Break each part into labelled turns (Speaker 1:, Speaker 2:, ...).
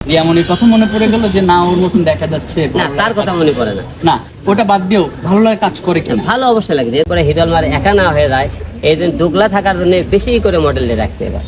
Speaker 1: রিয়ামনির কথা মনে পড়ে গেল যে না ওর মতন দেখা যাচ্ছে?
Speaker 2: না, তার কথা মনে পড়ে না।
Speaker 1: না, ওটা বাদ দিও, ভালো লাগে কাজ করে কেন?
Speaker 2: ভালো অবশ্যই লাগে, এরপরে হিরো আলম আর একা না হয়ে যায়, এই দিন দুগলা থাকার জন্য বেশি করে মডেল দিয়ে রাখতে এবার।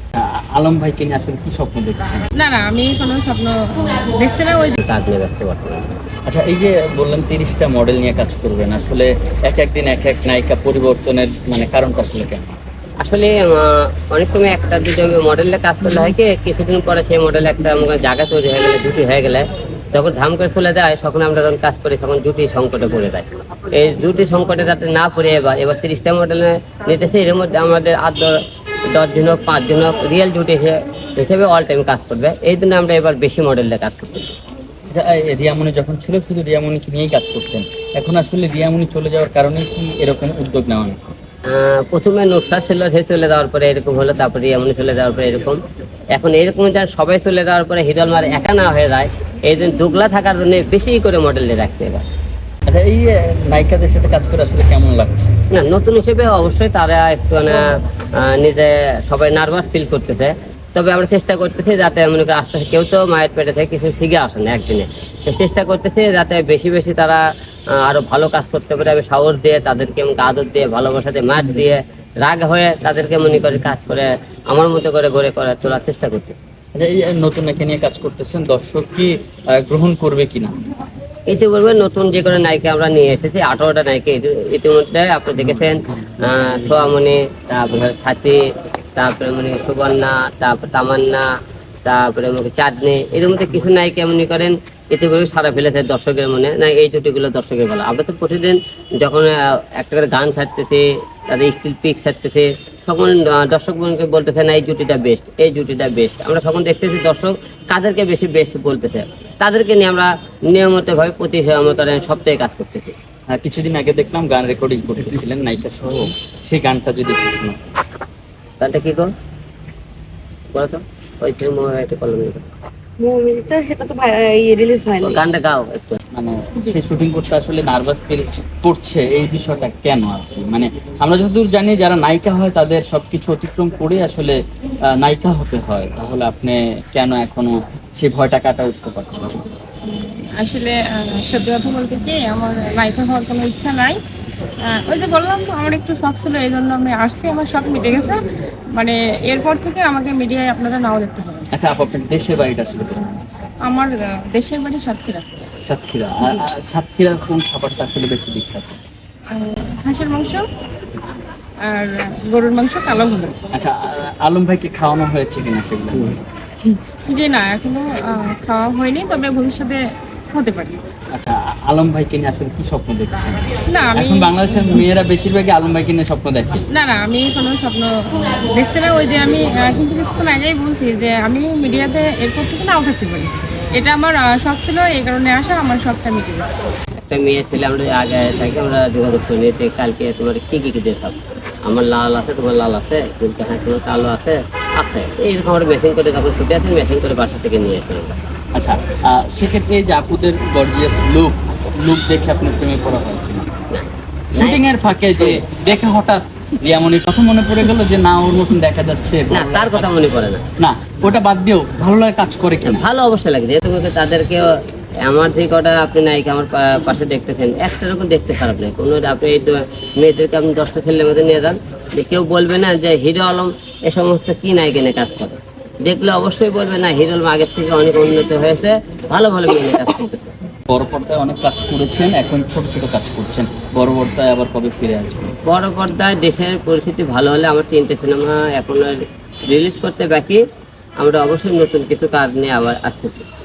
Speaker 1: আলম ভাইকে নিয়ে আসলে কি স্বপ্ন দেখছেন?
Speaker 3: না না, আমি কোনো স্বপ্ন দেখছি না। ওই
Speaker 2: কাজ নিয়ে ব্যস্ত বর্তমানে।
Speaker 1: আচ্ছা, এই যে বললেন 30টা মডেল নিয়ে কাজ করবেন, আসলে এক একদিন এক এক নায়িকা পরিবর্তনের মানে কারণটা আসলে কেন?
Speaker 2: আসলে অনেক সময় একটা দুটো মডেলে কাজ করলে হয় কি, কিছুদিন পরে সেই মডেল একটা জায়গা তৈরি হয়ে গেলে, জুটি হয়ে গেলে, যখন ধাম করে চলে যায়, তখন আমরা যখন কাজ করি তখন জুটি সংকটে পড়ে যায়। এই জুটি সংকটে যাতে না পড়ে এবার 30টা মডেলে নিতেছে, এর মধ্যে আমাদের 10 দিন হোক 5 দিন হোক রিয়েল জুটি হিসেবে অল টাইম কাজ করবে। এই জন্য আমরা এবার বেশি মডেলে কাজ করতে।
Speaker 1: রিয়ামনি যখন ছিল শুধু রিয়ামনিকে নিয়েই কাজ করতেন, এখন আসলে রিয়ামনি চলে যাওয়ার কারণে কি এরকম উদ্যোগ নেওয়া?
Speaker 2: প্রথমে নুসরাত ছিল, সে চলে যাওয়ার পরে এরকম হলো, তারপরে রিয়ামনি চলে যাওয়ার পরে এরকম। এখন এরকম যার সবাই চলে যাওয়ার পরে হিরো আলম আর একা না হয়ে যায়, এই দিন দুগলা থাকার জন্য বেশি করে মডেল দিয়ে রাখতে এবার।
Speaker 1: আচ্ছা, এই নায়িকাদের সাথে কাজ করে আসলে কেমন লাগছে?
Speaker 2: না, নতুন হিসেবে অবশ্যই তারা একটু নিজে সবাই নার্ভাস ফিল করতেছে, তবে আমরা চেষ্টা করতেছি যাতে মনে করি আস্তে আস্তে, কেউ তো মায়ের পেটে থেকে কিছু শিখে আসে না একদিনে, চেষ্টা করতেছি যাতে বেশি বেশি তারা আরো ভালো কাজ করতে পারে। আমি সাহস দিয়ে তাদেরকে আদর দিয়ে ভালোবাসা দিয়ে মাছ দিয়ে রাগ হয়ে তাদেরকে মনে করে কাজ করে আমার মতো করে গড়ে করার তোলার চেষ্টা করছি।
Speaker 1: আচ্ছা, এই নতুন একে নিয়ে কাজ করতেছেন, দর্শক কি গ্রহণ করবে কিনা?
Speaker 2: ইতিপূর্বে নতুন যে কোনো নায়িকা আমরা নিয়ে এসেছি, 18টা নায়িকা ইতিমধ্যে আপনি দেখেছেন। সোয়ামণি, তারপরে সাথী, তারপরে সুবর্ণা, তারপর তামান্না, তারপরে চাঁদনি, এর মধ্যে কিছু নায়িকা মনে করেন ইতিপূর্বে সারা ফেলেছে দর্শকের মনে। না, এই জুটিগুলো দর্শকের ভালো। আমরা তো প্রতিদিন যখন একটা করে গান ছাড়তেছি, তাদের স্টিল পিক ছাড়তেছি, তখন দর্শক বলতেছে না এই জুটিটা বেস্ট, এই জুটিটা বেস্ট। আমরা তখন দেখতেছি দর্শক কাদেরকে বেশি বেস্ট বলতেছে, তাদেরকে নিয়ে আমরা নিয়মিতভাবে প্রতি সপ্তাহে কাজ করতেছি।
Speaker 1: কিছুদিন আগে দেখলাম গান রেকর্ডিং করতেছিলেন নায়িকা সহ, সেই গানটা যদি একটু শোনান।
Speaker 2: গানটা কি কর বলো তো, ওই একটা কলম
Speaker 3: মুভিটা সেটা তো রিলিজ হয়নি।
Speaker 2: গানটা গাও একটু।
Speaker 1: মানে সে শুটিং করতে আসলে নার্ভাস ফিল করছে, এই বিষয়টা কেন আর কি? মানে আমরা যতদূর জানি যারা নায়িকা হয় তাদের সবকিছু অতিক্রম করে আসলে নায়িকা হতে হয়, তাহলে আপনি কেন এখনো সেই ভয়টা কাটা উঠতে পারছেন?
Speaker 3: আসলে সত্যি কথা বলতে কি, আমার নায়িকা হওয়ার কোনো ইচ্ছা নাই। ওই যে বললাম, আমার একটু শখ ছিল, এই জন্য আমি আসছি, আমার শখ মিটে গেছে। মানে এরপর থেকে আমাকে মিডিয়ায় আপনারা নাও দেখতে পারেন।
Speaker 1: আচ্ছা, আপনার দেশের বাড়িটা আসলে কোথায়?
Speaker 3: আমার দেশের বাড়ি সাতক্ষীরা।
Speaker 1: সাতক্ষীরা। সাতক্ষীরার কোন খাবারটা আসলে বেশি বিখ্যাত?
Speaker 3: হাঁসের মাংস আর গরুর মাংস, কালো ভুনা।
Speaker 1: আচ্ছা, আলম ভাইকে খাওয়ানো হয়েছে কিনা সেগুলো?
Speaker 3: যে না, এখনো খাওয়া হয়নি, তবে ভবিষ্যতে হতে পারে।
Speaker 1: আচ্ছা, আলম ভাইকে নিয়ে আসলে কি স্বপ্ন দেখছেন?
Speaker 3: না, আমি
Speaker 1: এখন বাংলাদেশের মেয়েরা বেশিরভাগই আলম ভাইকে নিয়ে স্বপ্ন দেখে।
Speaker 3: না না, আমি কোনো স্বপ্ন দেখছি না। ওই যে আমি কিন্তু কিছুক্ষণ আগেই বলছি যে আমি মিডিয়াতে এরপর থেকে নাও থাকতে পারি। এটা আমার শখ ছিল, এই কারণে আসা, আমার শখটা মিটে গেছে।
Speaker 2: একটা মেয়ে ছেলে আমরা আগে থাকি, আমরা যোগাযোগ করে নিয়েছি কালকে তোমার কি কি দেখাব। আমার লাল আছে, তোমার লাল আছে, তোমার কালো আছে, আছে এইরকম আমরা মেশিন করে যখন ছুটে আসি, মেশিন করে বাসা থেকে নিয়ে আসি আমরা।
Speaker 1: আচ্ছা, সেক্ষেত্রে এই যে আপুদের গর্জিয়াস লুক দেখে আপনার প্রেমে পড়া হয় কিনা? শুটিং এর ফাঁকে যে দেখে হঠাৎ রিয়ামনির কথা মনে পড়ে গেল যে না ওর মতন দেখা যাচ্ছে?
Speaker 2: না, তার কথা মনে পড়ে না।
Speaker 1: না, ওটা বাদ দিও, ভালো লাগে কাজ করে কেন?
Speaker 2: ভালো অবশ্যই লাগে, যেহেতু তাদেরকে আমার যে কটা আপনি নায়িকা আমার পাশে দেখতেছেন, একটা রকম দেখতে খারাপ লাগে কোনো। আপনি এই মেয়েদেরকে আপনি 10টা ছেলের মধ্যে নিয়ে যান, যে কেউ বলবে না যে হিরো আলম এ সমস্ত কি নায়িকা নিয়ে কাজ করে। দেখলে অবশ্যই বলবে না হিরো আলম আগের থেকে অনেক উন্নত হয়েছে, ভালো ভালো মেয়ে নিয়ে কাজ করতেছে।
Speaker 1: বড় পর্দায় অনেক কাজ করেছেন, এখন ছোট ছোট কাজ করছেন, বড় পর্দায় আবার কবে ফিরে আসবেন?
Speaker 2: বড় পর্দায় দেশের পরিস্থিতি ভালো হলে আমার 3টে সিনেমা এখন রিলিজ করতে বাকি, আমরা অবশ্যই নতুন কিছু কাজ নিয়ে আবার আসতেছি।